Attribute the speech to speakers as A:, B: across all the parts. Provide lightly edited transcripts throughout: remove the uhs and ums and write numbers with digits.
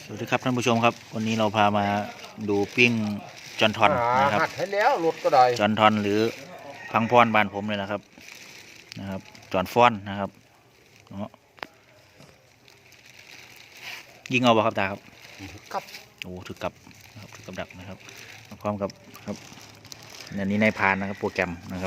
A: สวัสดีครับท่านผู้ชมครับวันนี้เราพามาดูปิ้งจอนทอนนะครับ
B: หัดให้แล้วรถก็ได้
A: จอนทอนหรือพังพรบ้านผมเลยนะครับจอนฟ้อนนะครับยิงเอาบ่ครับตาครับ
B: ครับ
A: โอ้ถึกกับนะครับถึกกับดักนะครับพร้อมกับครับอันนี้นายพานนะครับโปรแกรมนะครับ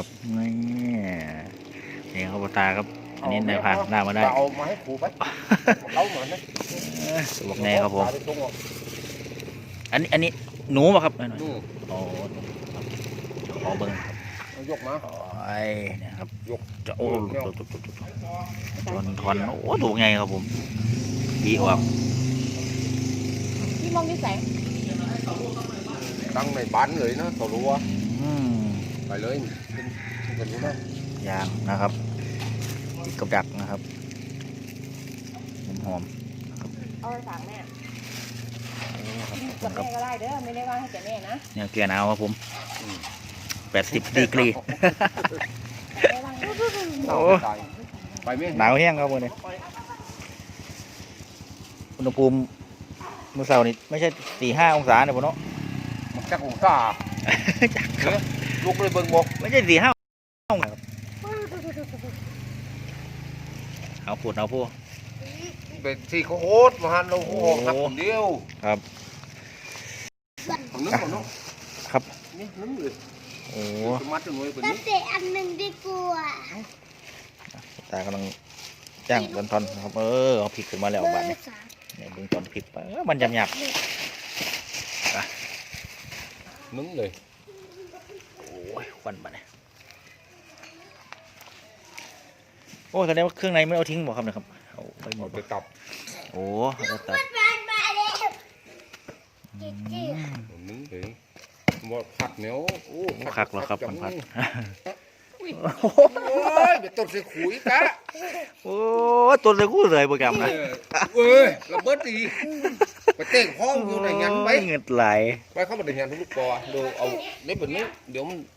A: นี่ครับตาครับอันนี้นายพานหน้ามาได้
B: เอามาให้ครูไปเอาเหมือนนะ
A: บอกแน่ครับผมอันนี้หนูป่ะครับโอ้ขอเบิ้ง
B: ยกมา
A: ไอ้เนี่ยครับ
B: ยก
A: จะโอ้ทอนโอ้ถูกไงครับผมดีออก
C: พี่มองที่แสง
B: ตั้งในบ้านเลยนะตัวรัวไปเลยเป็นรู้นะ
A: ยางนะครับติดกับดักนะครับหอม
C: เอาไปฝากแม่กับแม่ก็ได้เด้อไม่ได้ว่าให้แต่แม่นะ
A: เนี่ยเกลือหนาวครับผม80 ดีกรีโอ้หนาวแห้งครับวันนี้อุณหภูมิเมื่อเช้านี่ไม่ใช่4-5 องศาเนี่ยพ่อเนาะ
B: มันจักองศาลูกเลยเบิ่งบอก
A: ไม่ใช่4-5 องศาครับเอาพูด
B: เป็นที่เขาโหดมาหันเราโหดหักคนเดียว
A: ครับ
B: ของนึกก่อนเนาะ
A: ครับ
B: นี่นึกเลย
A: โอ้
B: มัดจนไว้เป็น
C: นี้เตะอันหนึ่งดีกว่า
A: ตากำลังจ้างจอนทอนนะครับเอาพริกขึ้นมาแล้วบ้านเนี่ยเบิ่งตอนพริกไปมันหยาบ
B: นึกเลย
A: โอ้ยควันบ้านเนี่ยโอ้แสดงว่าเครื่องในไม่เอาทิ้งบ่ครับนะครับเอาไปหมด
B: ไปตับ
A: โอ้แล้วตับ
B: นึกเลยว่าผัดเหนียวโอ้
A: คักเหรอครับมันผัด
B: โอ้ยเป็นต้นเสือขุยกะ
A: โอ้ต้นเสือขุยเลยโปรแกรมนะ
B: เอ้ยระเบิดดีไปเต้งห้องอยู่ในยันไป
A: เงินไหล
B: ไปเข้ามาในยันทุกปอดูเอาเล็บแบบนี้เดี๋ยวมัน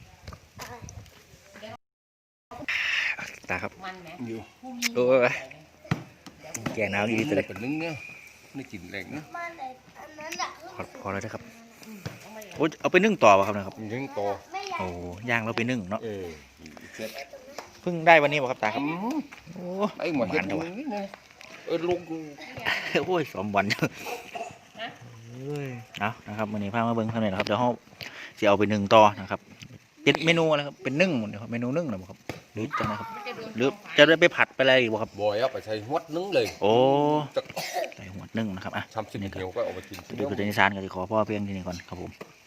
A: ตาครับ
B: อยู่
A: โอ้ยแกงน้ำดีเลย
B: เป็นนึ่งเนี่ยไม่กินแรงนะ
A: พอแล้วนะครับโอ้เอาไปนึ่งต่อป่ะครับนะครับ
B: นึ่งต่อ
A: โอ้ย่างเราไปนึ่งเนาะเพิ่งได้วันนี้ป่ะครับตาครับ
B: โอ้ไอ้หมดเห็ดนี่ไงลุง
A: โอ้ย2 วันเอานะครับวันนี้พามาเบิ้งเท่าไหร่นะครับเดี๋ยวเขาจะเอาไปนึ่งต่อนะครับเป็นเมนูอะไรครับเป็นนึ่งหมดเลยครับเมนูนึ่งนะครับหรือจะนะครับหรือจะได้ไปผัดไปอะไรอีกบ่ครับ
B: บ่อยเอาไปใช้หัวนึ่งเลย
A: โอ้ใส่หัวนึ่งนะครับ
B: ทำสิ่งเดียวก็เอาไปกิน
A: ดูตัวนิสานกันขอพ่อเพียงที่นี่ก่อนครับผม